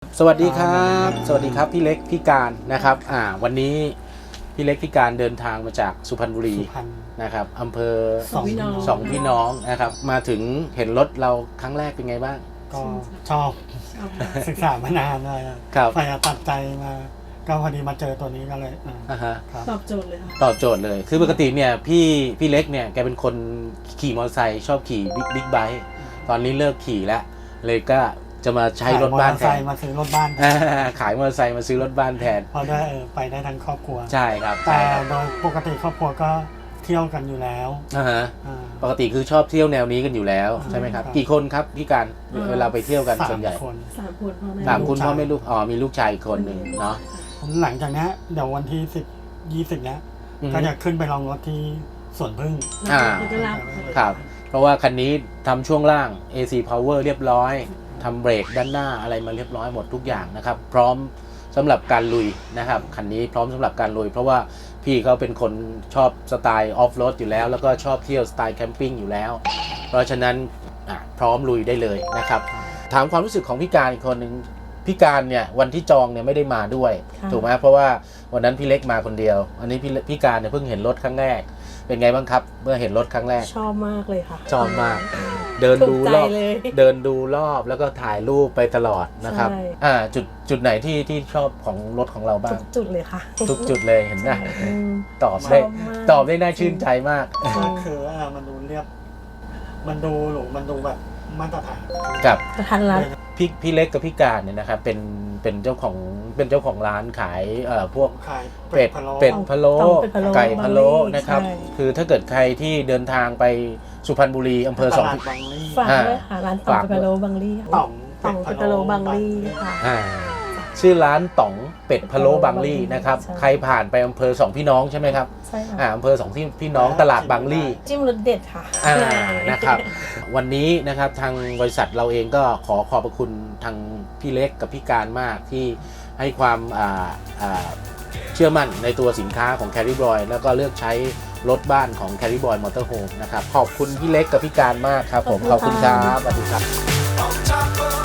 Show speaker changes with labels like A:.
A: สวัสดีครับสวัสดีครับพี่เล็กพี่การนะครับวันนี้พี่เล็กพี่การเดินทางมาจากสุพรรณบุรีนะครับอำเภอสองพี่น้องนะครับมาถึงเห็นรถเราครั้งแรกเป็นไงบ้าง
B: ก็ชอบศึกษามานานเลยครับไปตัดใจมาก็พอดีมาเจอตัวนี้ก็เลย
C: ตอบโจทย์เลยค่ะ
A: ตอบโจทย์เลยคือปกติเนี่ยพี่เล็กเนี่ยแกเป็นคนขี่มอเตอร์ไซค์ชอบขี่บิ๊กไบค์ตอนนี้เลิกขี่แล้วเลยก็จะมาใช้รถบ้านแทน
B: มาซื้อรถบ้าน
A: ขายมอเตอร์ไซค์มาซื้อรถบ้านแทน
B: พอได้ไปได้ทั้งครอบครัว
A: ใช่ครับ
B: แต่โดยปกติครอบครัวก็เที่ยวกันอยู่แล้ว
A: ปกติคือชอบเที่ยวแนวนี้กันอยู่แล้วใช่ไหมครับกี่คนครับพี่การเวลาไปเที่ยวกันส่วนใหญ่
C: 3 คน
A: พ่อแม่ลูกมีลูกชายอีกคนหนึ่งเนาะ
B: หลังจากนี้เดี๋ยววันที่10-20นี้ก็จะขึ้นไปลองรถที่สวนพึ่ง
A: ครับเพราะว่าคันนี้ทำช่วงล่าง AC Power เรียบร้อยทำเบรกด้านหน้าอะไรมาเรียบร้อยหมดทุกอย่างนะครับพร้อมสำหรับการลุยนะครับคันนี้พร้อมสำหรับการลุยเพราะว่าพี่เขาเป็นคนชอบสไตล์ออฟโรดอยู่แล้วแล้วก็ชอบเที่ยวสไตล์แคมปิ้งอยู่แล้วเพราะฉะนั้นพร้อมลุยได้เลยนะครับถามความรู้สึกของพี่การอีกคนหนึ่งพี่การเนี่ยวันที่จองเนี่ยไม่ได้มาด้วยถูกไหมเพราะว่าวันนั้นพี่เล็กมาคนเดียวอันนี้พี่การเนี่ยเพิ่งเห็นรถครั้งแรกเป็นไงบ้างครับเมื่อเห็นรถครั้งแรก
C: ชอบมากเลยค่ะ
A: ชอบมากเดินดูรอบแล้วก็ถ่ายรูปไปตลอดนะครับจุดไหนที่ชอบของรถของเราบ้าง
C: ทุกจุดเลยค่ะ
A: ทุกจุดเลยเห็นไหมตอบได้น่าชื่นใจมาก
B: คือมันดูเรียบมันดูหรูมันดูแบบมาตรฐาน
A: กับ
C: ทันรัด
A: พี่เล็กกับพี่การเนี่ยนะครับเป็นเจ้าของร้านขายพวกเป็ดพะโล้ไก่พะโล้นะครับคือถ้าเกิดใครที่เดินทางไปสุพรรณบุรีอำเภอสอง
C: ฝากด้วยค่ะร้านต่องเป็ดพะโล้บางลี่ต่องเป็ดพะโล้บางลี่ค่ะ
A: ชื่อร้านต่องเป็ดพะโล้บางลี่นะครับใครผ่านไปอำเภอสองพี่น้องใช่ไหมครับ
C: ใช่ค่ะ
A: อำเภอสองพี่น้องตลาดบางลี่
C: จิ้มรสเด็ดค่ะ
A: นะครับวันนี้นะครับทางบริษัทเราเองก็ขอขอบพระคุณทางพี่เล็กกับพี่การมากที่ให้ความเชื่อมั่นในตัวสินค้าของ Carry Boy แล้วก็เลือกใช้รถบ้านของ Carry Boy Motorhome นะครับขอบคุณพี่เล็กกับพี่การมากครับผมขอบคุณครับสวัสดีครับ